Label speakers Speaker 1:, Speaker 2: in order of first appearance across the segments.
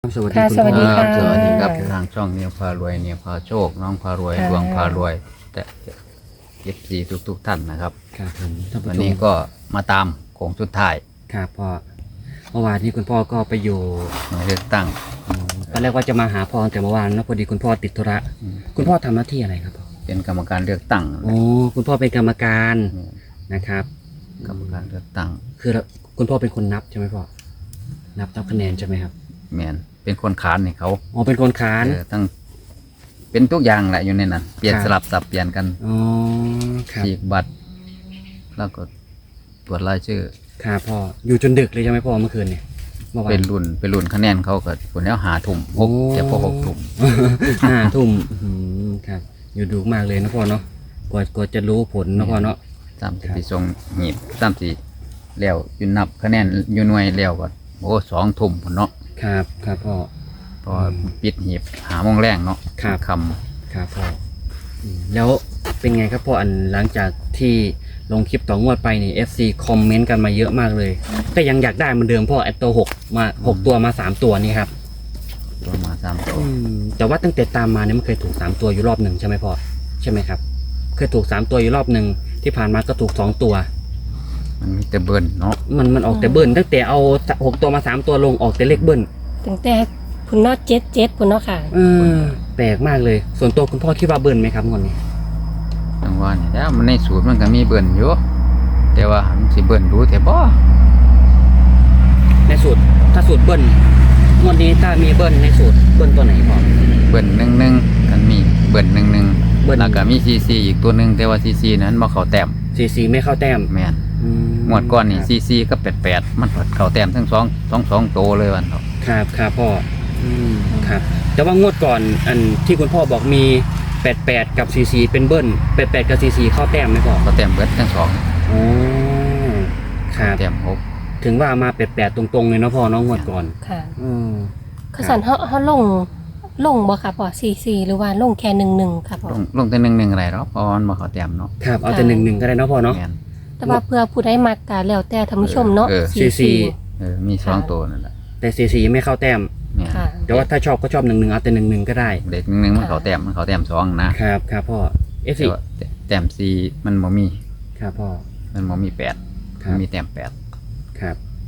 Speaker 1: สวัสดี
Speaker 2: ค่ะ
Speaker 1: คุณ
Speaker 2: สวัสดี
Speaker 1: พ่อ
Speaker 2: ค่ะ
Speaker 3: สวัสดีครับทางช่องเนี่ยพารวยเนี่ยพาโชคน้องพารวย
Speaker 2: ค่ะ
Speaker 3: ดวงพารวย แต่เอฟซีทุกท่านนะครับ
Speaker 1: ครับผมท่านผู้
Speaker 3: วัน
Speaker 1: ช
Speaker 3: นี้
Speaker 1: ม
Speaker 3: ก็มาตามโค้งสุดท้าย
Speaker 1: ครับพ่อเมื่อวานนี้คุณพ่อก็ไปอยู่
Speaker 3: หน่วยเลือกตั้ง
Speaker 1: ตอนแรกว่าจะมาหาพ่อแต่เมื่อวานนะพอดีคุณพ่อติดธุระคุณพ่อทำหน้าที่อะไรครับพ่อ
Speaker 3: เป็นกรรมการเลือกตั้ง
Speaker 1: โอ้คุณพ่อเป็นกรรมการนะครับ
Speaker 3: กรรมการเลือกตั้ง
Speaker 1: คือคุณพ่อเป็นคนนับใช่ไหมพ่อนับคะแนนใช่ไหมครับ
Speaker 3: แมนเป็นคนขานให้เขา
Speaker 1: อ๋อเป็นคนค้าน
Speaker 3: ตั้งเป็นทุกอย่างแหละอยู่ในนั้นเปลี่ยน
Speaker 1: ครับ
Speaker 3: สลับสับเปลี่ยนกัน
Speaker 1: อ๋อครับ
Speaker 3: ฉีกบัตร แล้วก็ตรวจรายชื่อ
Speaker 1: ครับพ่ออยู่จนดึกเลยใช่ไหมพ่อเมื่อคืนเนี่ยเมื่อวาน
Speaker 3: เป็นรุ่นคะแนนเขาก็ผลแล้วหาถุ่มหก
Speaker 1: โอ้
Speaker 3: จะพอ6 ทุ่ม
Speaker 1: 5 ทุ่มครับอยู่ดึกมากเลยนะพ่อเนาะกว่าจะรู้ผลนะพ่อเนาะ
Speaker 3: สามสิบสี่ทรงหีบ34แล้วอยู่นับคะแนนอยู่หน่วยแล้วก็โอ้2 ทุ่มพุ่นเนาะ
Speaker 1: ครับครับพ่อ
Speaker 3: พอปิดหีบ5 โมงแรงเนาะ
Speaker 1: ครับ
Speaker 3: ค
Speaker 1: ครับพ่อแล้วเป็นไงครับพ่ออันหลังจากที่ลงคลิปต่องวดไปนี่ FC คอมเมนต์กันมาเยอะมากเลยก็ยังอยากได้เหมือนเดิมพ่อไอตัว6มา6ตัวมา3ตัวนี่ครับ
Speaker 3: ำตัวมา3 ตัว
Speaker 1: แต่ว่าตั้งแต่ตามมาเนี่ยมันเคยถูก3ตัวอยู่รอบหนึ่งใช่ไหมพ่อใช่ไหมครับเคยถูก3ตัวอยู่รอบหนึ่งที่ผ่านมาก็ถูก2ตัว
Speaker 3: มันมีแต่เบิ้ลเนาะ
Speaker 1: มันออกแต่เบิ้ลตั้งแต่เอา6ตัวมา3ตัวลงออกแต่เลขเบิ้ล
Speaker 2: ตั้งแต่พุ่นเนาะ77พุ่นเนาะค่ะ
Speaker 1: แปลกมากเลยส่วนตัวคุณพ่อคิดว่าเบิ้ลไหมครับงวดนี้
Speaker 3: จังหวะนี่แล้วมันในสูตรมันก็มีเบิ้ลอยู่แต่ว่ามันสิเบิ้ลรู้แต่บ่
Speaker 1: ในสูตรถ้าสูตรเบิ้ลงวดนี้ถ้ามีเบิ้ลในสูตรเบิ้ลตัวไหนพ่อ
Speaker 3: เบิ้ล11กันมีเบิ้ล
Speaker 1: เบิ้ล
Speaker 3: 11แล้วก็มีCCอีกตัวหนึงแต่ว่าCCนั้นบ่เข้าแต้ม
Speaker 1: 4-4ไม่เข้าแต้ม
Speaker 3: แม่นงวดก่อนนี่CCก็88มันเข้าแต้มทั้ง2 โตวเลยวันเนาะ
Speaker 1: ครับครับพ่อครับแต่ว่างวดก่อนอันที่คุณพ่อบอกมี88กับ44เป็นเบิ้ล88กับ44เข้าแต้มไหมพ่อ
Speaker 3: เข้าแต้มเบิดทั้งสอง
Speaker 1: อ๋อครับ
Speaker 3: แต้ม6
Speaker 1: ถึงว่ามา88ตรงๆเลยเนาะพ่อเน้องงวดก่อน
Speaker 2: ค่ะ
Speaker 1: อืม
Speaker 2: ข้าสันเฮาลงบ่ค่ะพ่อ44หรือว่าลงแค่11ค่ะพ่อ
Speaker 3: ลงแต่11อะไรหรอกเพราะว่ามันบ่เข้าแต้มเนาะ
Speaker 1: ครับเอาแต่1-1ก็ได้เนาะพ่อเนาะ
Speaker 3: แม่น
Speaker 2: แต่ว่าเพื่อผู้ใดมักก็แล้วแต่ท่านผู้ชมเนาะ
Speaker 3: มี
Speaker 2: ค่ะ
Speaker 3: 2 ตัวนั่นแหละ
Speaker 1: แต่44ไม่เข้าแต้ม
Speaker 3: แม่น
Speaker 2: ค่ะ
Speaker 1: แต่ว่าถ้าชอบก็ชอบ1-1เอาแต่1-1ก็ได้
Speaker 3: เด็ก1มันเข้าแต้ม2นะครับ
Speaker 1: ครับพ่อ
Speaker 3: แต่
Speaker 1: F4
Speaker 3: ว่าแต้ม4มันบ่มี
Speaker 1: ครับพ่อ
Speaker 3: มันบ่มี8
Speaker 1: ครั
Speaker 3: มัน
Speaker 1: บ
Speaker 3: มีแต้ม8
Speaker 1: ครับ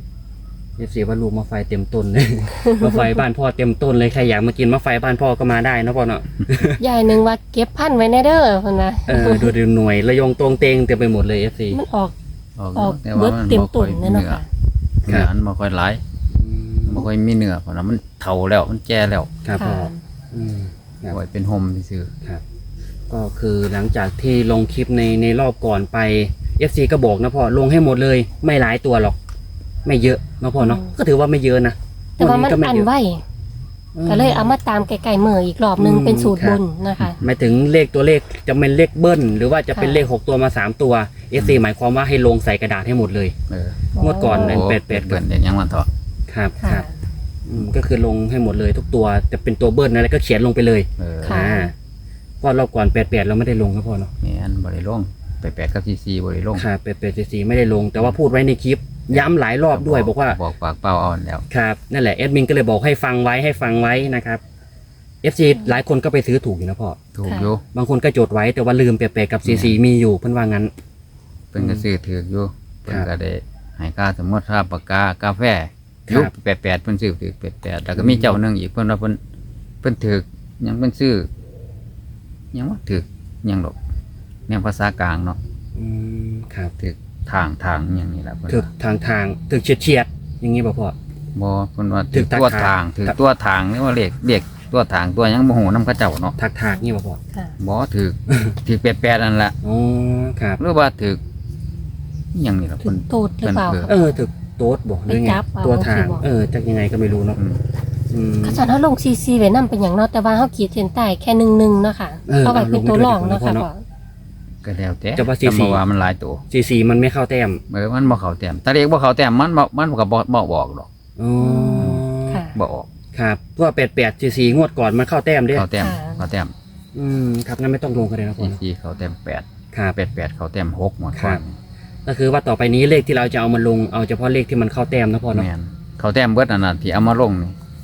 Speaker 1: F4 ว่าลูกมะไฟเต็มต้นเลย มะไฟบ้านพ่อเต็มต้นเลยใครอยากมากินมะไฟบ้านพ่อก็มาได้นะพ่อเนาะ
Speaker 2: ยายหนึงว่าเก็บพันธุ์ไว้แน่เด้อเพิ่นว่า
Speaker 1: ดูหน่วยระยงตรงเตงเต็มไปหมดเลย F4
Speaker 2: มันออก
Speaker 3: ออก
Speaker 2: เบิดเต็มต้นเลยเนาะค่ะ
Speaker 3: เนื้อมันบ่ค่อยหลายบ่ค่อยมีเนื้อเพราะว่ามันเฒ่าแล้วมันแก่แล้ว
Speaker 1: ครับพ่อ
Speaker 2: ค่ะ
Speaker 1: อืม ครับ
Speaker 3: ไว้เป็นห่มซื่อ
Speaker 1: ครับ ก็คือหลังจากที่ลงคลิปในรอบก่อนไป FC ก็บอกนะพ่อลงให้หมดเลย ไม่หลายตัวหรอก ไม่เยอะนะพ่อเนาะก็ถือว่าไม่เยอะนะ
Speaker 2: แต่ว่ามัน
Speaker 1: ก็
Speaker 2: อัน
Speaker 1: เยอะ
Speaker 2: ไว้ก็เลยเอามาตามไกลๆมืออีกรอบนึงเป็นสูตรบนนะคะ
Speaker 1: หมายถึงเลขตัวเลขจะเป็นเลขเบิ้ลหรือว่าจะเป็น
Speaker 2: ค่ะ
Speaker 1: เลข6ตัวมา3ตัว FC หมายความว่าให้ลงใส่กระดาษให้หมดเลย
Speaker 3: ๆ
Speaker 1: งวดก่อน
Speaker 3: โอ้
Speaker 1: เป็ด
Speaker 3: เปิ้นเด็ดยังวันเถาะ
Speaker 1: ครับค
Speaker 2: ค่ะ
Speaker 1: รับก็คือลงให้หมดเลยทุกตัวแต่เป็นตัวเบิ้ลอะไรก็เขียนลงไปเลย
Speaker 2: ค่ะ
Speaker 1: ก็รอบก่อน88เราไม่ได้ลงครับพ่อเนาะ
Speaker 3: แม่นบ่ได้ลง88กับCCบ่ได้ลง
Speaker 1: ครับ88ไม่ได้ลง แต่ว่าพูดไว้ในคลิป ย้ำหลายรอบด้วยบอกว่า
Speaker 3: บอกปากเป้าเอาแล้ว
Speaker 1: ครับนั่นแหละแอดมินก็เลยบอกให้ฟังไว้นะครับ FC หลายคนก็ไปซื้อถูกอยู่นะพ่อ
Speaker 3: ถูกอยู่
Speaker 1: บางคนก็จดไว้แต่ว่าลืม88กับ44มีอยู่เพิ่นว่างั้น
Speaker 3: เพิ่นก็ซื้อถูกอยู่เพิ่นก็ได้ให้ค่าสมมุติค่าปากกาแฟ
Speaker 1: ครับ
Speaker 3: ยุค88เพิ่นซื้อถูก88แล้วก็มีเจ้าหนึงอีกเพิ่นว่าเพิ่นถูกยังเพิ่นซื้อยังว่าถูกยังดอกแนวภาษากลางเนาะ
Speaker 1: ครับ
Speaker 3: ถูกทางอย่างนี้แหละเพิ่น
Speaker 1: ถึก
Speaker 3: ว่า
Speaker 1: ทางถึกเฉียดอย่างงี้ป่ะพ่อ
Speaker 3: บ่เพิ่นว่า
Speaker 1: ถู
Speaker 3: ถู
Speaker 1: ก
Speaker 3: กตัว
Speaker 1: ทา
Speaker 3: ทาง งถูกตัวทางนี่ว่าเรียกตัวทางตัวหยังบ่ฮู้นำเขาเจ้าเนาะ
Speaker 1: ถากงี้ป่ะพ่อ
Speaker 2: ค่ะ
Speaker 3: บ่ถูกถูก88นั่นแหละ
Speaker 1: อ๋อครับ
Speaker 3: หรือว่าถูกอิหยังนี่ล่ะ
Speaker 2: ถึ
Speaker 3: เพิ่
Speaker 2: ง
Speaker 3: น
Speaker 2: ตูดหรือเปล่า
Speaker 3: เพิ่น
Speaker 2: คะ
Speaker 1: ถึกโต๊ดบอกหรือไง
Speaker 2: ไปจับเอา
Speaker 1: ตัวทาง
Speaker 2: สิบอก
Speaker 1: จักยังไงก็ไม่รู้เนาะ
Speaker 3: อืม
Speaker 1: อืม
Speaker 2: ข้าสันเฮาลงซีไว้นำเป็นหยังเนาะแต่ว่าเฮาขีดเส้นใต้แค่11เนาะค่ะ
Speaker 1: เอา
Speaker 2: เอาไว้เป็นตัวรองเนาะค่ะ
Speaker 1: ลงไปด้วย
Speaker 2: พ่อ
Speaker 3: ก็แล้วแต่
Speaker 1: จะว่า
Speaker 3: แต่
Speaker 1: CC
Speaker 3: เมื่อวานมันหลายตัว
Speaker 1: 44มันไม่เข้าแต้ม
Speaker 3: มันบ่เข้าแต้มถ้าเรียกบ่เข้าแต้มมันก็บ่บอกดอก
Speaker 1: อ๋อ
Speaker 2: ค่ะ
Speaker 3: บ่ออก
Speaker 1: ครับตัว88 44งวดก่อนมันเข้าแต้มเด้
Speaker 3: เข้าแต้ม
Speaker 2: ค่ะ
Speaker 3: เข้าแต้ม
Speaker 1: ครับงั้นไม่ต้องลงกันเลยนะพ่อเนาะ
Speaker 3: CC เข้าแต้ม8
Speaker 1: ครับ
Speaker 3: 88เข้าแต้ม6หมด
Speaker 1: ครับ ก็คือว่าต่อไปนี้เลขที่เราจะเอามาลงเอาเฉพาะเลขที่มันเข้าแต้มนะพ่อเนาะ
Speaker 3: แม่นเข้าแต้มเบิดอันนั้นที่เอามาลงนี่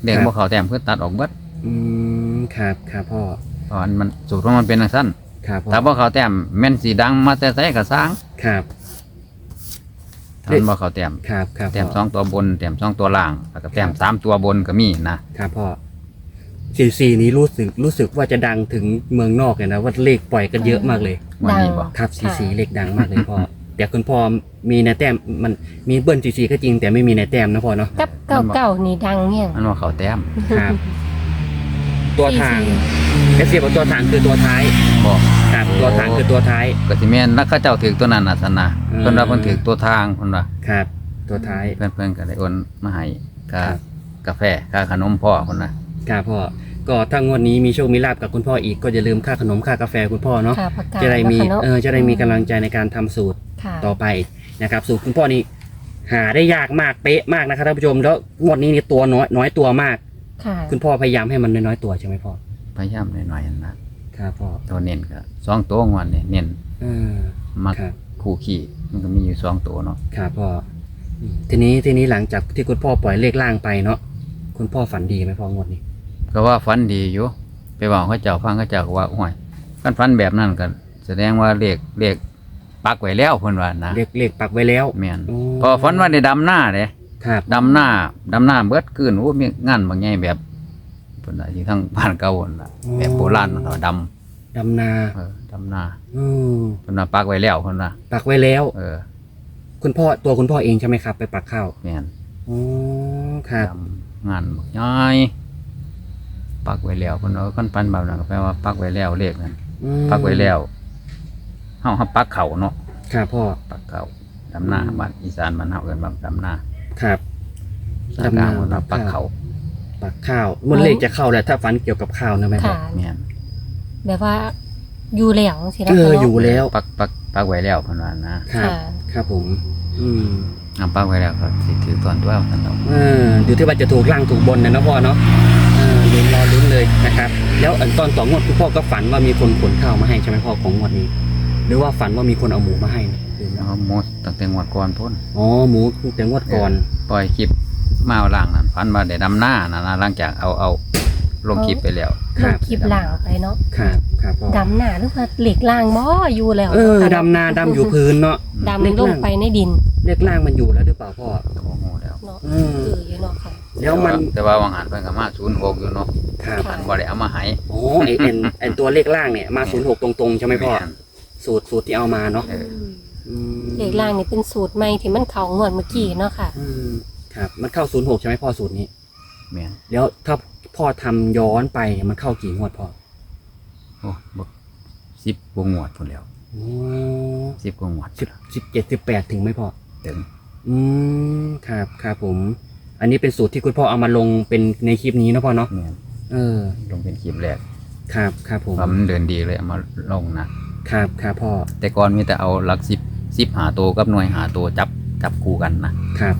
Speaker 3: เด็กบ่เข้าแต้มคือตัดออกเบิด
Speaker 1: ครับครับพ่อ
Speaker 3: เพราะมันสูตรของมันเป็นจังซั่น
Speaker 1: ครับพ่อ
Speaker 3: ถ้าบ่เข้าแต้มแม่นสิดังมาแต่ไสก็สร้าง
Speaker 1: ครับ
Speaker 3: ถ้ามันบ่เข้าแต้ม
Speaker 1: ครับครับ
Speaker 3: แต้ม
Speaker 1: พ่อ
Speaker 3: 2ตัวบนแต้ม2ตัวล่างแล้วก็แต้ม3ตัวบนก็มีนะครับ
Speaker 1: พ่อ44นี้รู้สึกว่าจะดังถึงเมืองนอกเลยนะว่าเลขปล่อยกันเยอะมากเลย
Speaker 3: วันนี้บ่
Speaker 1: ครับ44เลขดังมากเลยพ่อ แต่คุณพ่อมีในแต้มมันมีเบิ้ล44ก็จริงแต่ไม่มีในแต้มนะพ่อเนาะ
Speaker 2: กับเก่าๆนี่ดังเนี่ย
Speaker 3: มันบ่เข้าแต้ม
Speaker 1: ครับ ตัวทางเอฟซีบอกตัวทางคือตัวท้าย
Speaker 3: บ่
Speaker 1: ครับตัวทางคือตัวท้าย
Speaker 3: ก็สิแม่นแล้วเขาเจ้าถือตัวนั้นน่ะซั่นน่ะ
Speaker 1: อืม
Speaker 3: เพิ่นว่าเพิ่นถือตัวทางเพิ่นว่า
Speaker 1: ครับ ตัวท้าย
Speaker 3: เพิ่นก็ได้โอนมาให้ค่า
Speaker 1: ครับ
Speaker 3: กาแฟค่าขนมพ่อเพิ่นน่ะ
Speaker 1: ครับพ่อก็ถ้างวดนี้มีโชคมีลาบกับคุณพ่ออีกก็อย่าลืมค่าขนมค่ากาแฟคุณพ่อเนาะ
Speaker 2: ค่ะประกาศ
Speaker 1: จะได้มี
Speaker 2: แล้วค่ะเนอะ
Speaker 1: จะได้มีกำลังใจในการทำสูตร
Speaker 2: ค่ะ
Speaker 1: ต่อไปนะครับสูตรคุณพ่อนี่หาได้ยากมากเป๊ะมากนะครับท่านผู้ชมแล้วงวดนี้นี่ตัวน้อยตัวมาก
Speaker 2: ค่ะ
Speaker 1: คุณพ่อพยายามให้มันน้อยๆตัวใช่ไหมพ่อ
Speaker 3: พยายามหน่อยๆนั่นนะครับ
Speaker 1: พ่อ
Speaker 3: ตัวเน้นก็2ตัวงวดนี่เน้น
Speaker 1: อืม
Speaker 3: มัก
Speaker 1: ครับ
Speaker 3: คู่ขี้มันก็มีอยู่2ตัวเนาะ
Speaker 1: ครับพ่อทีนี้หลังจากที่คุณพ่อปล่อยเลขล่างไปเนาะคุณพ่อฝันดีไหมพ่องวดนี้
Speaker 3: ก็ว่าฝันดีอยู่ไปบอกเขาเจ้าฟังเขาเจ้าก็ว่าโอ้ยกันฝันแบบนั้นก็แสดงว่าเลขปักไว้แล้วเพิ่นว่านะ
Speaker 1: เลขปักไว้แล้ว
Speaker 3: แม่น
Speaker 1: โอ้
Speaker 3: พอฝันว่าได้ดำหน้าเด้
Speaker 1: ครับ
Speaker 3: ดำหน้าเบิดคืนโอ้มีงานบางใหญ่แบบเพิ่นน่ะอยู่ทางบ้านเก่าพุ่นน่ะแบบโบราณเนาะด
Speaker 1: ดำนา
Speaker 3: ำดำหน้า
Speaker 1: อืม
Speaker 3: เพิ่นว่าปักไว้แล้วเพิ่นว่า
Speaker 1: ปักไว้แล้ว คุณพ่อคุณพ่อเองใช่ไหมครับ ไปปักข้าว
Speaker 3: แม่น
Speaker 1: โอ้ครับ
Speaker 3: ดำงานบักใหญ่ปักไว้แล้วเพิ่นว่าคันฝันแบบนั้นก็แปลว่าปักไว้แล้วเลขนั้น
Speaker 1: อืม
Speaker 3: ปักไว้แล้วเฮาปักเข่าเนาะ
Speaker 1: ครับพ่อ
Speaker 3: ปักเข่าดำหน้าบ้านอีสานบ้านเฮาเอิ้นว่าดำหน้า
Speaker 1: ครับ
Speaker 3: สากลางว่าปักเข่า
Speaker 1: ปักข้าวมันเลขจะเข้าแหละถ้าฝันเกี่ยวกับข้าวนะแม่พ่อ
Speaker 2: ค่ะ
Speaker 3: แม่น
Speaker 2: แบบว่าอยู่แล้วสินะ
Speaker 1: เออ
Speaker 2: คะเนะ
Speaker 1: อยู่แล้ว
Speaker 3: ปักไว้แล้วเพิ่นว่านะครับ
Speaker 2: ค่ะ
Speaker 1: ครับผม อืม
Speaker 3: ปักไว้แล้วก็สิถือตอนตัวเพิ่นเนาะ
Speaker 1: อยู่ที่ว่าจะถูกล่างถูกบนนะพ่อเนาะลุ้นรอลุ้นเลยนะครับ แล้วตอน2 งวดคุณพ่อก็ฝันว่ามีคนขนข้าวมาให้ใช่ไหมพ่อของงวดนี้ หรือว่าฝันว่ามีคนเอาหมูมาให้นะหรือ
Speaker 3: แล้วก็หมดตั้งแต่งวดก่อนพุ่น
Speaker 1: อ๋อหมูตั้งแต่งวดก่อน
Speaker 3: ปล่อยคลิปมาเอาล่างนั่นฝันว่าได้ดำหน้านั่นนะหลังจากเอาลงคลิปไปแล้ว
Speaker 1: ค
Speaker 2: ล
Speaker 1: รั
Speaker 2: ง
Speaker 1: บ
Speaker 2: คลิปล่างไปเนาะ
Speaker 1: ครับครับพ่อ
Speaker 2: ดำหนาหรือว่าเหล็กล่างบ่อยู่แล้ว
Speaker 1: ดำนาดำอยู่พื้นเนาะ
Speaker 2: ดำลงไปในดิน
Speaker 1: เลขล่างมันอยู่แล้วหรือเปล่าพ่อ
Speaker 3: ก็บ่ฮู้แล้ว
Speaker 2: เนาะ
Speaker 1: อืม
Speaker 2: อยู่เนาะค่ะ
Speaker 1: แล้วมัน
Speaker 3: แต่ว่าวางหันเพิ่นก็มา06อยู่เนาะ
Speaker 1: ครับ
Speaker 3: มันบ่ได้เอามาให้
Speaker 1: โอ้ไอตัวเลขล่างเนี่ยมา06ตรงๆใช่ไหมพ่อ
Speaker 3: แน
Speaker 1: สูตรที่เอามาเนาะ
Speaker 3: เออ
Speaker 1: อืม
Speaker 2: เหล็กล่างนี่เป็นสูตรใหม่ที่มันเข้างวดเมื่อกี้เนาะค่ะ
Speaker 1: อืมครับ มันเข้า06ใช่ไหมพ่อสูตรนี้
Speaker 3: แม่น
Speaker 1: แล้วถ้าพ่อทำย้อนไปมันเข้ากี่งวดพ่อ
Speaker 3: โอ้บ่10กว่างวดพุ่นแล้ว
Speaker 1: โอ้
Speaker 3: 10กว่างวด
Speaker 1: 17 18ถึงไหมพ่อ
Speaker 3: ถึง
Speaker 1: ครับครับผม อันนี้เป็นสูตรที่คุณพ่อเอามาลงเป็นในคลิปนี้เนาะพ่อเนาะ
Speaker 3: แม่น
Speaker 1: เออ
Speaker 3: ลงเป็นคลิปแรก
Speaker 1: ครับครับผม
Speaker 3: ว่ามันเดินดีเลยเอามาลงนะครับ
Speaker 1: ครับพ่อ
Speaker 3: แต่ก่อนมีแต่เอาหลัก10หาตัวกับหน่วยหาตัวจับคู่กันนะครับ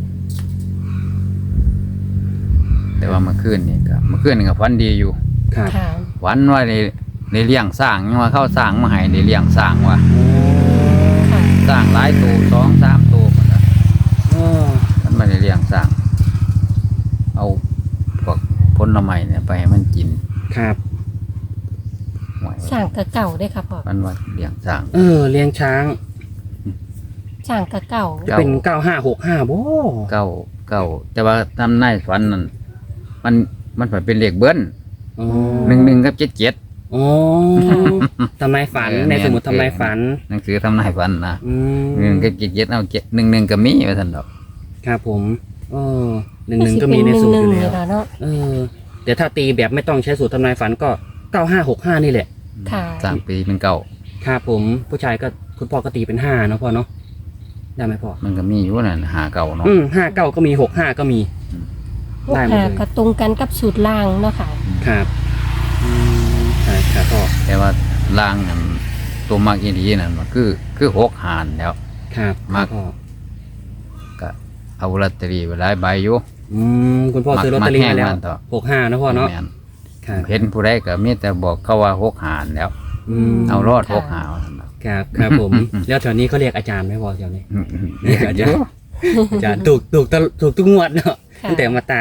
Speaker 3: แต่ว่าเมื่อคืนนี่ก็ฝันดีอยู่
Speaker 1: ครับ
Speaker 2: ค่ะ
Speaker 3: ฝันว่าในเลี้ยงสร้างยังว่าเข้าสร้างมาให้ในเลี้ยงสร้างว่า
Speaker 1: โอ้
Speaker 2: ค่ะ
Speaker 3: สร้างหลายตัว2-3ตัวพุ่นน่ะ
Speaker 1: โอ้
Speaker 3: มันไม่ได้เลี้ยงสร้าง เอาพวกผลไม้เนี่ยไปให้มันกิน
Speaker 1: ครับ
Speaker 3: ห่วย
Speaker 2: สร้างกะเก่าได้ค่ะพ่อ
Speaker 3: มันว่าเลี้ยงสร้าง
Speaker 1: เลี้ยงช้าง
Speaker 2: สร้างกะเก่า
Speaker 1: จะเป็น9565บ่
Speaker 3: เก้าแต่ว่าทำนายฝันนั่นมันฝันเป็นเลขเบิ้ล
Speaker 1: อ๋อ
Speaker 3: 1กับ77
Speaker 1: อ๋อทำนายฝัน
Speaker 3: เออ
Speaker 1: ในสมุดทำนายฝัน
Speaker 3: หนังสือทำนายฝันนะ
Speaker 1: อืม
Speaker 3: 1กับ77เอา1ก็มีว่าซั่นดอก
Speaker 1: ครับผม11ก็มีในสูตรอยู่แล้ว
Speaker 2: เนาะ
Speaker 1: แต่ถ้าตีแบบไม่ต้องใช้สูตรทำนายฝันก็9565นี่แหละ
Speaker 2: ค่ะ
Speaker 3: สร้างปีเป็นเก่า
Speaker 1: ครับผมผู้ชายก็คุณพ่อก็ตีเป็น5เนาะพ่อเนาะได้ไหมพ่อ
Speaker 3: มันก็มีอยู่นั่นหาเก่าเนาะ
Speaker 1: 59ก็มี65ก็มี ได้หมดเลย
Speaker 2: กระตรงกันกับสูตรล่างเนาะค่ะ
Speaker 1: ครับครับพ่อ
Speaker 3: แต่ว่าล่างนั่นตัวมากอีหลีนั่นมันคือ6หารแล้ว
Speaker 1: ครับ
Speaker 3: มาก
Speaker 1: พ่อ
Speaker 3: ก็เอาลอตเตอรี่ไปหลายใบอยู่
Speaker 1: คุณพ่อซื้อลอตเตอรี่มาแล้ว
Speaker 3: มักต่อ
Speaker 1: 65นะพ่อเนาะ
Speaker 3: แม่น
Speaker 1: ครับ
Speaker 3: เห็นผู้ใดก็มีแต่บอกเขาว่า6หารแล้ว เอารอด6หารว่าซั่นดอก
Speaker 1: ครับผม แล้วแถวนี้เขาเรียกอาจารย์ไหมพ่อแถวนี้
Speaker 3: เรียกอาจารย์
Speaker 1: อาจารย์ถูกทุกงวดเนาะ
Speaker 2: ค่ะ
Speaker 1: ตั้งแต่มาตาม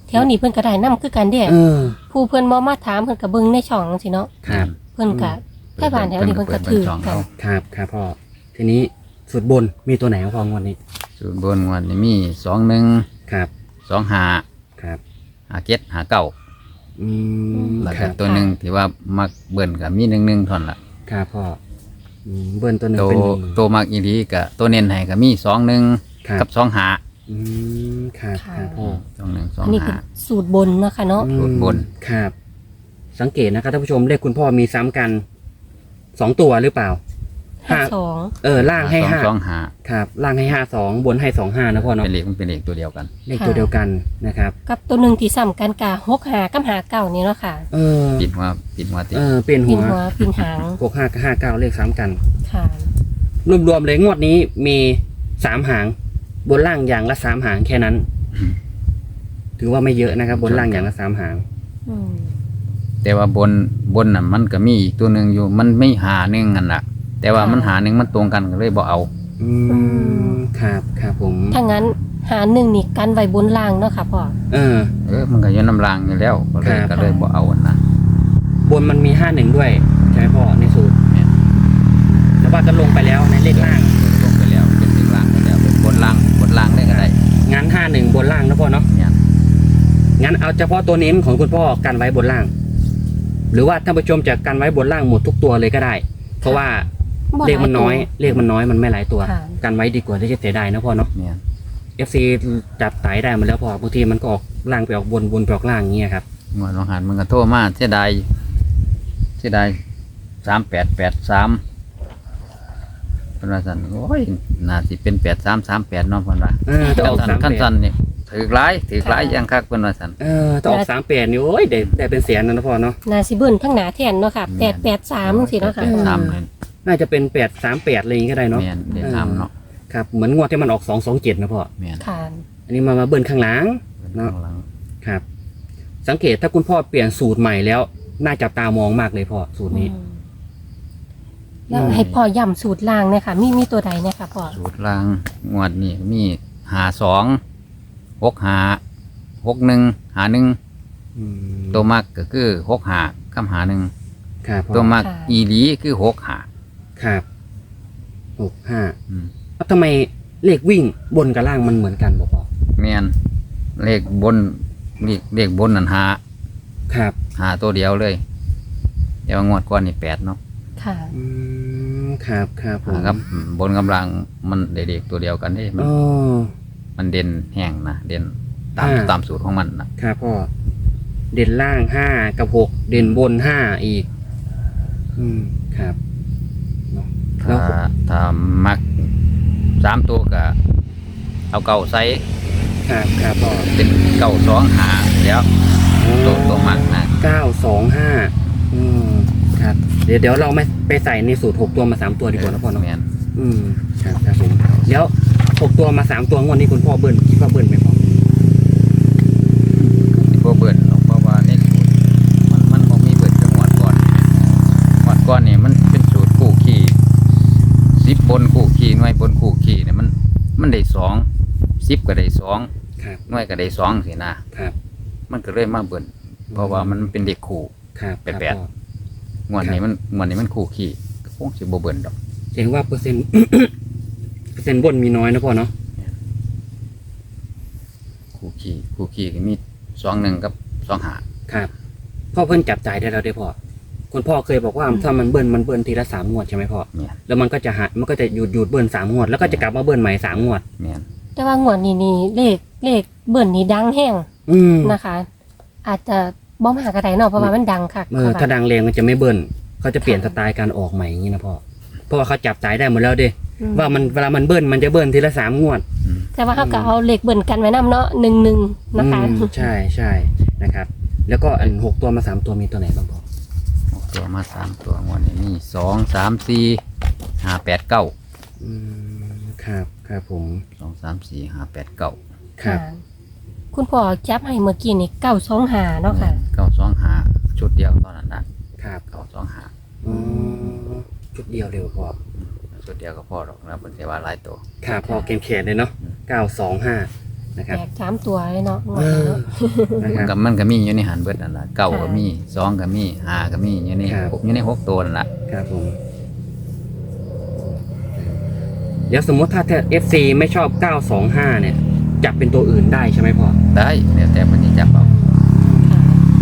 Speaker 2: แถวนี้เพิ่นก็ได้นํคือกันเด้
Speaker 1: เออ
Speaker 2: ผู้เพิ่นบ่มาถามเพิ่นก็เบิ่งในช่องจังซี่เนาะ
Speaker 1: ครับ
Speaker 2: เพิ่นก็ใกล้บ้านแถวนี้เพิ่นก็ถือ
Speaker 3: ช่อง
Speaker 2: กั
Speaker 3: เขา
Speaker 2: น
Speaker 1: ครับครับพ่อทีนี้สุดบนมีตัวไหนครับพ่องวันนี้
Speaker 3: สูตรบนวันนี้มี21
Speaker 1: ครับ
Speaker 3: 25
Speaker 1: ครับ
Speaker 3: 57 59
Speaker 1: อืม
Speaker 3: แล้ว
Speaker 1: ค
Speaker 3: ก็
Speaker 1: รับ
Speaker 3: ตัวหนึงที่ว่ามักเบิ่นก็มี11เท่านั้นล่ะ
Speaker 1: ครับพ่อเบิ้ลตัวหนึ่ง
Speaker 3: ตัว
Speaker 1: เป็นหนึ่ง
Speaker 3: ตัวมักอีหลีก็ตัวเน้นให้ก็มี21
Speaker 1: ครับ
Speaker 3: กับ25
Speaker 1: ครับครับพ่อ
Speaker 2: อันนี้คือสูตรบนเนาะค่ะเนาะ
Speaker 3: สูตรบน
Speaker 1: ครับ สังเกตนะครับท่านผู้ชมเลขคุณพ่อมีซ้ำกัน2 ตัวหรือเปล่า
Speaker 2: 52
Speaker 1: ล่างให้ห้า
Speaker 3: 225
Speaker 1: ครับล่างให้52บนให้25นะพ่อเนาะ
Speaker 3: เป็นเลขมันเป็นเลขตัวเดียวกัน
Speaker 1: เลขตัวเดียวกันนะครับ
Speaker 2: กับตัวหนึงที่ซ้ำกันกะ65กับ59นี่เนาะค่ะ
Speaker 1: เออ
Speaker 3: ปิดหัวติด
Speaker 1: เปลี่ยน
Speaker 2: ปิ
Speaker 1: หั
Speaker 2: น
Speaker 1: ว
Speaker 2: หัวปินหาง
Speaker 1: 65กับ59เลขซ้ำกัน
Speaker 2: ค่ะ
Speaker 1: รวมๆเลยงวดนี้มี3 หาง บนล่างอย่างละ3 หางแค่นั้น ถือว่าไม่เยอะนะครับ บนล่างอย่างละ3 หาง
Speaker 2: อืม
Speaker 3: แต่ว่าบนน่ะมันก็มีอีกตัวหนึ่งอยู่มันไม่หาหนึ่งกันล่ะ แต่ว่ามันหาหนึ่งมันตรงกันก็เลยบ่เอา
Speaker 1: ครับครับผม
Speaker 2: ถ้างั้นหา1นี่กันไว้บนล่างเนาะค่ะพ่อ
Speaker 3: มันก็อยืนน้ำรางอยู่แล้วก็เลยบ่เอานะ
Speaker 1: บนมันมี51ด้วยใช่ไหมพ่อในสูตร
Speaker 3: เนี่ย
Speaker 1: แต่ว่าก็ลงไปแล้วในเลขล่าง
Speaker 3: ลงไปแล้วเป็นเลขล่างไปแล้วเป็นบนล่างได้ก็ได้
Speaker 1: งั้น51บนล่างนะพ่อเนาะ
Speaker 3: เนี่ย
Speaker 1: งั้นเอาเฉพาะตัวเน้นของคุณพ่อกันไว้บนล่าง หรือว่าท่านผู้ชมจะกันไว้บนล่างหมดทุกตัวเลยก็ได้ เพราะว่า
Speaker 2: บ่
Speaker 1: เลขมันน้อย
Speaker 2: หลายตัว
Speaker 1: เลขมันน้อยมันไม่หลายตัว
Speaker 2: ค่ะ
Speaker 1: กันไว้ดีกว่าที่จะเสียดายนะพ่อเนาะ
Speaker 3: เนี่ย
Speaker 1: FC จับไตได้มาแล้วพอบางทีมันก็ออกล่างไปออกบนไปออกล่างอย่างเงี้ยครับ
Speaker 3: งวดลองหันมันก็โทรมาเสียดาย3883เป็นว่าสั่นโอ้ยน่าสิเป็น8338เนาะเพิ่นว่า
Speaker 1: จะออก
Speaker 3: สั่นขั้นสั่นนี่ถือหลายอย่างคักเพิ่นว่าสั่น
Speaker 1: จะออก38นี่โอ้ยได้เป็นแสนนะพ่อเนาะ
Speaker 2: น่าสิเบิ่นทั้งหนาแทนเนาะค่ะ
Speaker 3: แม่น
Speaker 2: 883จังซี่เนาะค่ะ
Speaker 3: 883เลย
Speaker 1: น่าจะเป็น838อะไรอย่างงี้ก็ได้เนาะ
Speaker 3: แม่นได้ทำเนาะ
Speaker 1: ครับเหมือนงวดที่มันออก227นะพ่อ
Speaker 3: แม่น
Speaker 2: ค่ะ
Speaker 1: อันนี้มาเบิ้ลข้างหลัง เนาะ
Speaker 3: ข้างหลัง
Speaker 1: ครับ สังเกตถ้าคุณพ่อเปลี่ยนสูตรใหม่แล้วน่าจับตามองมากเลยพ่อสูตรนี้
Speaker 2: แล้วให้พ่อย้ำสูตรล่างเนี่ยค่ะ มีตัวใดเนี่ยค่ะพ่อ
Speaker 3: สูตรล่างงวดนี้มี52 65 61 51ตัวมักก็คือ65กับ51
Speaker 1: ครับพ่
Speaker 3: ตัว
Speaker 1: อ
Speaker 3: มักอีหลีคือ65
Speaker 1: ครับ65
Speaker 3: อืม
Speaker 1: แล้วทำไมเลขวิ่งบนกับล่างมันเหมือนกันบอกพ่อ
Speaker 3: แม่นเลขบนเลขบนนั่น
Speaker 1: ครับ
Speaker 3: หาตัวเดียวเลยเดี๋ยวงวดก่อนนี่8เนาะ
Speaker 2: ค่ะ
Speaker 1: ครับครับผม
Speaker 3: ครับบนกำลังมันเด็กๆตัวเดียวกันนี่
Speaker 1: อ๋อ
Speaker 3: มันเด่นแห้งนะเด่นตามสูตรของมันนะครับ
Speaker 1: พ่อเด่นล่าง5กับ6เด่นบน5อีกครับเนาะแล้
Speaker 3: ถ้าว มัก3ตัวก็เอาเก่าใส่
Speaker 1: ครับครับพ่อ
Speaker 3: เป็น925เดี๋ยวตัวมักนะ
Speaker 1: 925ครับเดี๋ยวเราไม่ไปใส่ในสูตร6ตัวมา3ตัวดีกว่านะพ่อเนาะ
Speaker 3: แม่น
Speaker 1: ครับครับผมแล้ว6ตัวมา3ตัวงวดนี้คุณพ่อเบิ้ลคิดว่าเบิ้ลไหมพ่อ
Speaker 3: พวกเบิดเพราะว่านี่มันบ่มีเบิดจังหวัดก่อนนี่มันเป็นสูตรคู่ขี่10บนคู่ขี่หน่วยบนคู่ขี่เนี่ยมันได้2 10ก็ได้2
Speaker 1: ครับ
Speaker 3: หน่วยก็ได้2สินะครับ มันก็เลยมาเบิดเพราะว่ามันเป็นเด็กคู่
Speaker 1: ครับ
Speaker 3: แปด
Speaker 1: ครับพ่อง
Speaker 3: วดนี้มันคู่ขี่ก็คงสิบ่เบิดดอก
Speaker 1: แสดงว่าเปอร์เซ็นต์ เปอร์เซ็นต์บนมีน้อยนะพ่อเนาะ
Speaker 3: คู่ขี่ก็มี21กับ25
Speaker 1: ครับพ่อเพิ่นจับจ่ายได้แล้วได้พ่อคุณพ่อเคยบอกว่าถ้ามันเบิ้ลทีละ3 งวดใช่ไหมพ่อ
Speaker 3: แม่น
Speaker 1: แล้วมันก็จะหยุดเบิ้ล3 งวดแล้วก็จะกลับมาเบิ้ลใหม่3 งวด
Speaker 3: แม่น
Speaker 2: แต่ว่างวดนี้นี่เลขเบิ่นนี่ดังแห้งนะคะ อาจจะบ่มาก็ได้เนาะเพราะว่ามันดังค่ะ
Speaker 1: ถ้าดังแรงมันจะไม่เบิ้ลเขาจะเปลี่ยนสไตล์การออกใหม่อย่างนี้นะพ่อเพราะว่าเขาจับจ่ายได้หมดแล้วดิว่ามันเวลามันเบิ้ลมันจะเบิ้ลทีละ3 งวด
Speaker 2: แต่ว่าเขาก็เอาเลขเบิ่นกันไว้นำเนาะ11นะคะ
Speaker 1: ใช่นะครับ แล้วก็อัน6ตัวมา3ตัวมีตัวไหนบ้างพ่อ
Speaker 3: ตัวมา3ตัวงวดนี้มี2 3 4 5 8 9
Speaker 1: ครับครับผม
Speaker 3: 2 3 4 5 8 9
Speaker 1: ครับ
Speaker 2: ค่ะคุณพ่อจับให้เมื่อกี้นี่925เนาะค่ะ
Speaker 3: 925ชุดเดียวตอนนั้นนะครับ925
Speaker 1: ชุดเดียวเร็วพ่อ
Speaker 3: ชุดเดียวก็พอหรอกนะเป็นเทว่าหลายตัว
Speaker 1: ครับพอเกมเขียนเลยเนาะ925 นะครับ
Speaker 2: แตก3ตัวเลยเนาะ
Speaker 1: เออนะครับ
Speaker 3: มันก็มีอยู่ในหันเบิดนั่นล่ะเก้าก็มีสองก็มีห้าก็มีอยู่ใน
Speaker 1: ครับ
Speaker 3: อยู่ในหกตัวนั่นล่ะ
Speaker 1: ครับผมเดี๋ยวสมมติถ้า FC ไม่ชอบ 925 เนี่ย จับเป็นตัวอื่นได้ใช่ไหมพ่อ
Speaker 3: ได้เดี๋ยวแต่มันจะจับเอา
Speaker 2: ค่ะ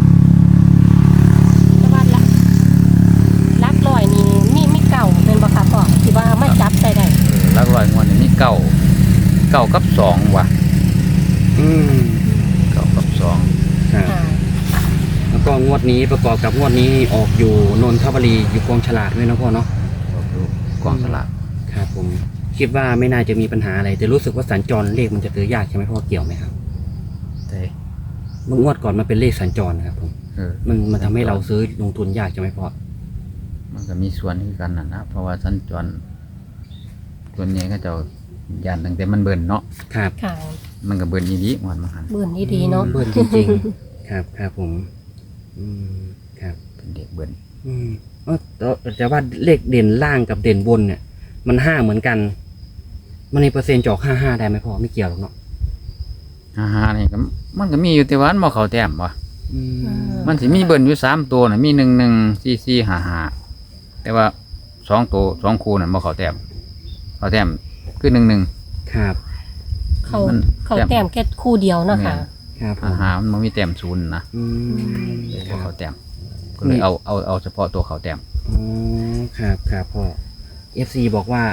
Speaker 2: แต่ว่าลักลอยนี่มีเก่าเป็นบ่ค่ะพ่อที่ว่ามาจับได้ได้
Speaker 3: หลักร้อยงวดนี่มีเก้ากับสองว่ะ
Speaker 1: อืม
Speaker 3: เก้ากับสอง
Speaker 1: ครับ
Speaker 2: ค่ะ
Speaker 1: แล้วก็งวดนี้ประกอบกับงวดนี้ออกอยู่นนทบุรีอยู่กองฉลากด้วยนะพ่อเนาะ
Speaker 3: ดูกองสลาก
Speaker 1: ครับผมคิดว่าไม่น่าจะมีปัญหาอะไร แต่รู้สึกว่าสัญจรเลขมันจะซื้อยากใช่ไหมพ่อเกี่ยวไหมครับ
Speaker 3: แต่
Speaker 1: เมื่องวดก่อนมันเป็นเลขสัญจรนะครับผม
Speaker 3: เออ
Speaker 1: มันทำให้เราซื้อลงทุนยากใช่ไหมพ่อ
Speaker 3: มันก็มีส่วนที่กันนะเพราะว่าสัญจรส่วนใหญ่ก็จะยานตั้งแต่มันเบิ่นเนาะ
Speaker 1: ครับ
Speaker 2: ค่ะ
Speaker 3: มันก็เบิ่นอีดีมันมาหัน
Speaker 2: เบิ่นดีๆเนาะ
Speaker 1: เบิ้ลจริงๆ ครับครับผมอืมครับ
Speaker 3: เป็นเด็กเบิ่น
Speaker 1: อืมแต่ว่าเลขเด่นล่างกับเด่นบนเนี่ย มัน5เหมือนกัน มันในเปอร์เซ็นต์จอก55ได้ไหมพ่อไม่เกี่ยวหรอกเนาะ
Speaker 3: ฮ่าๆนี่ก็มันก็มีอยู่แต่ว่ามันบ่เข้าแต้มว่ะ
Speaker 1: อืม
Speaker 3: มันสิมีเบิ่นอยู่3ตัวน่ะมี1 1 4 4 5 5แต่ว่า2ตัว2คู่น่ะบ่เข้าแต้มเข้าแต้มคือ1
Speaker 1: ครับ
Speaker 2: เขาแต้มแค่คู่เดียวเนาะค่ะ
Speaker 1: ครับผม
Speaker 3: 1 5มันบ่มีแต้มศูนย์นะ
Speaker 1: อืม
Speaker 3: เลย
Speaker 1: ค
Speaker 3: บ่
Speaker 1: รับ
Speaker 3: เข้าแต้มก็เลยเอาเฉพาะตัวเข้าแต้ม
Speaker 1: อ๋อครับครับพ่อ FC บอกว่า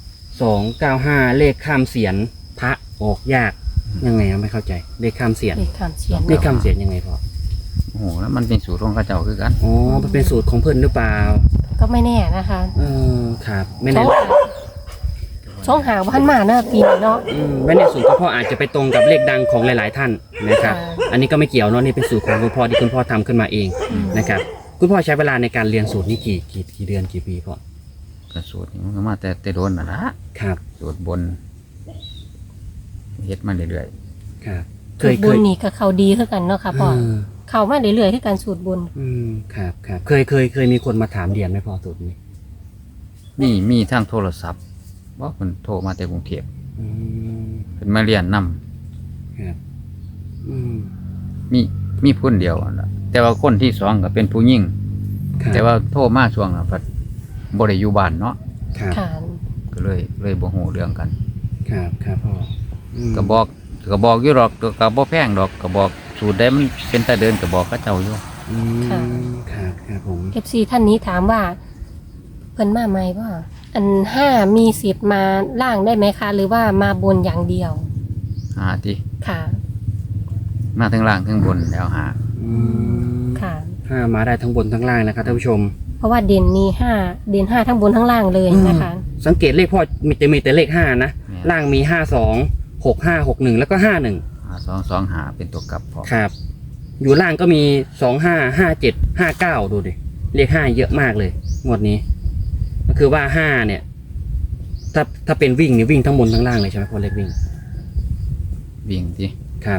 Speaker 1: 295เลขข้ามเสียนพระออกยากยังไงอะไม่เข้าใจเลขข้ามเสียน
Speaker 2: เลขข้ามเสียน
Speaker 1: เลขข้ามเสียนยังไงพ่อ
Speaker 3: โอ้โหแล้วมันเป็นสูตรของเขาเจ้าคือกัน
Speaker 1: อ๋อมันเป็นสูตรของเพื่อนหรือเปล่า
Speaker 2: ก็ไม่แน่นะคะ
Speaker 1: ครับไม่
Speaker 2: ช่
Speaker 1: แน่
Speaker 2: องหาพันมาเนาะปีนี้เนาะ
Speaker 1: ไม่แน่สูตรคุณพ่ออาจจะไปตรงกับเลขดังของหลาย ๆ ท่านนะครับ
Speaker 2: ค่ะ
Speaker 1: อันนี้ก็ไม่เกี่ยวเนาะนี่เป็นสูตรของคุณพ่อที่คุณพ่อทำขึ้นมาเองนะครับคุณพ่อใช้เวลาในการเรียนสูตรนี้กี่เดือนกี่ปีพ่อ
Speaker 3: ก็สูตรนี้มันก็มาแต่โดนน่ะละ
Speaker 1: ครับ
Speaker 3: สูตรบนเฮ็ดมาเรื่อย
Speaker 1: ครับ
Speaker 2: สูตรบุญนี่ก็เขาดีคือกันเนาะค่ะพ่อ
Speaker 1: เออ
Speaker 2: เขามาเรื่อยๆคือกันสูตรบุญ
Speaker 1: ครับครับเคยมีคนมาถามเรียนไหมพ่อสูตรนี้
Speaker 3: ๆมีทางโทรศัพท์ว่าเพิ่นโทรมาแต่กรุงเทพ
Speaker 1: อืม
Speaker 3: เพิ่นมาเรียนนํ
Speaker 1: ครับอืม
Speaker 3: มีคนเดียวนั่นล่ะแต่ว่าคนที่สองก็เป็นผู้หญิง
Speaker 1: ครับ
Speaker 3: แต่ว่าโทรมาช่วงนั้นเพิ่นบ่ได้อยู่บ้านเนาะ
Speaker 1: ครับ
Speaker 2: ค่ะ
Speaker 3: ก็เลยบ่ฮู้เรื่องกัน
Speaker 1: ครับครับพ่ออืม
Speaker 3: ก็บอกอยู่หรอกก็บ่แพงดอกก็บอกสูตรใดมันเป็นตาเดินก็บอกเขาเจ้าอยู่
Speaker 1: อืมครับครับผม
Speaker 2: FC ท่านนี้ถามว่าเพิ่นมาไหมว่าอัน5มีสิทธิ์มาล่างได้ไหมคะ หรือว่ามาบนอย่างเดียว
Speaker 3: หาติ
Speaker 2: ค่ะ
Speaker 3: มาทั้งล่างทั้งบนแล้วหา
Speaker 1: อืม
Speaker 2: ค่ะ
Speaker 1: ห้ามาได้ทั้งบนทั้งล่างนะครับท่านผู้ชม
Speaker 2: เพราะว่าเด่นนี้เด่น5ทั้งบนทั้งล่างเลยนะคะ
Speaker 1: สังเกตเลขพ่อมีแต่เลข5นะ
Speaker 3: แม่น
Speaker 1: ล่างมี52 6561แล้วก็51
Speaker 3: 2 หาเป็นตัวกลับพอ
Speaker 1: ครับ อยู่ล่างก็มี25 57 59ดูดิเลข5เยอะมากเลยงวดนี้ก็คือว่า5เนี่ยถ้าเป็นวิ่งเนี่ยวิ่งทั้งบนทั้งล่างเลยใช่ไหมพ่อเลขวิ่ง
Speaker 3: วิ่งติ
Speaker 1: ครับ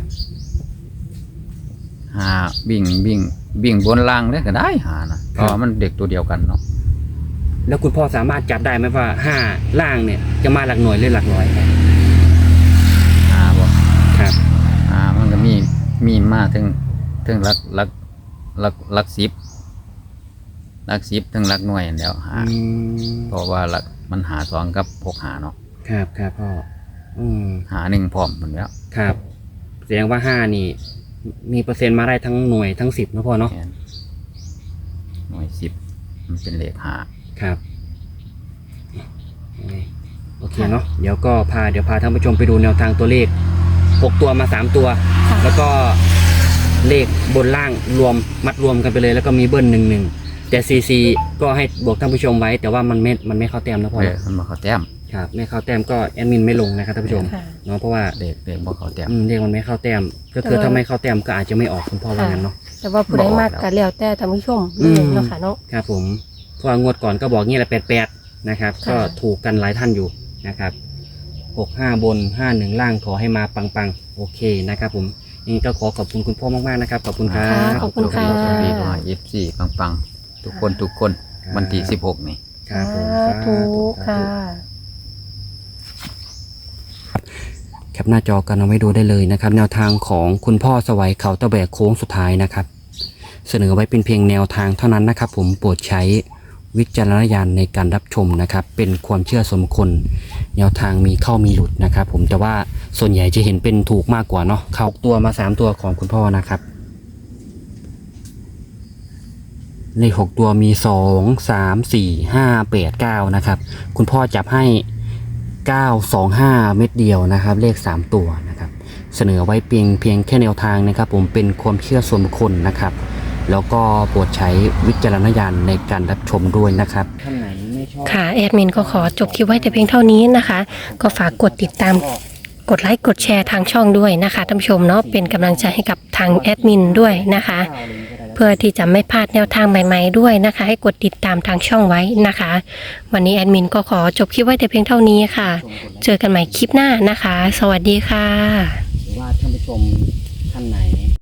Speaker 3: หาวิ่งบนล่างเลยก็ได้หานะเพราะว่ามันเด็กตัวเดียวกันเนาะ
Speaker 1: แล้วคุณพ่อสามารถจับได้ไหมว่า5ล่างเนี่ยจะมาหลักหน่วยหรือหลักร้อย
Speaker 3: หาบ่
Speaker 1: ครับ
Speaker 3: มันก็มีมาถึงหลัก10ถึงหลักหน่วยนั่นแหล้วหา
Speaker 1: อืม
Speaker 3: เพราะว่าหลักมันหา2กับ6หาเนาะ
Speaker 1: ครับครับพ่ออืม
Speaker 3: หา1พร้อมหมดแล้ว
Speaker 1: ครับแสดงว่า5นี่มีเปอร์เซ็นต์มาได้ทั้งหน่วยทั้ง10นะพ่อเนาะ
Speaker 3: แม่นหน่วย10มันเป็นเลขหา
Speaker 1: ครับโอเคเนาะเดี๋ยวพาท่านผู้ชมไปดูแนวทางตัวเลข6ตัวมา3ตัว
Speaker 2: ค่ะ
Speaker 1: แล้วก็เลขบนล่างมัดรวมกันไปเลยแล้วก็มีเบิ้ล11แต่CCก็ให้บอกท่านผู้ชมไว้ แต่ว่ามันไม่เข้าแต้มนะพ่อ
Speaker 3: มันบ่เข้าแต้ม
Speaker 1: ครับไม่เข้าแต้มก็แอดมินไม่ลงนะครับท่านผู้ชม
Speaker 2: ค่ะ
Speaker 1: เนาะเพราะว่า
Speaker 3: เลขบ่เข้าแต้ม
Speaker 1: เลขมันไม่เข้าแต้มก็คือถ้าไม่เข้าแต้มก็อาจจะไม่ออกคุณพ่อว่างั้นเนาะ
Speaker 2: แต่ว่าผู้ใดมากก็แล้วแต่ท่านผู้ชมเลยเนาะค่ะเนาะ
Speaker 1: ครับผมเพราะว่างวดก่อนก็บอกงี้แหละ88นะครับ
Speaker 2: ค่ะ
Speaker 1: ก็ถูกกันหลายท่านอยู่นะครับ65บน51ล่างขอให้มาปังๆโอเคนะครับผมนี่ก็ขอบคุณคุณพ่อมากๆนะครับขอบคุณครับ
Speaker 2: ขอบคุณค่ะ
Speaker 3: ขอบคุณค่ะ FC ปังๆทุกคนวันที่16นี่
Speaker 1: ครับผม
Speaker 2: สาธุค่ะ
Speaker 1: แคปหน้าจอกันเอาไว้ดูได้เลยนะครับแนวทางของคุณพ่อสวัยเขาตะแบกโค้งสุดท้ายนะครับเสนอไว้เป็นเพียงแนวทางเท่านั้นนะครับผมโปรดใช้วิจารณญาณในการรับชมนะครับเป็นความเชื่อส่วนบุคคลแนวทางมีเข้ามีหลุดนะครับผมแต่ว่าส่วนใหญ่จะเห็นเป็นถูกมากกว่าเนาะเข้าตัวมา3ตัวของคุณพ่อนะครับเลข6ตัวมี2 3 4 5 8 9นะครับคุณพ่อจับให้925เม็ดเดียวนะครับเลข3ตัวนะครับเสนอไว้เพียงแค่แนวทางนะครับผมเป็นความเชื่อส่วนบุคคลนะครับแล้วก็โปรดใช้วิจารณญาณในการรับชมด้วยนะครับท่านไหนไม่ชอบ
Speaker 2: ค่ะแอดมินก็ขอจบคลิปไว้แต่เพียงเท่านี้นะคะ ก็ฝากกดติดตามกดไลค์กดแชร์ทางช่องด้วยนะคะท่านผู้ชมเนาะเป็นกำลังใจให้กับทางแอดมินด้วยนะคะ เพื่อที่จะไม่พลาดแนวทางใหม่ๆด้วยนะคะ ให้กดติดตามทางช่องไว้นะคะ วันนี้แอดมินก็ขอจบคลิปไว้แต่เพียงเท่านี้ค่ะ เจอกันใหม่คลิปหน้านะคะ สวัสดีค่ะ
Speaker 1: หรือว่าท่านผู้ชม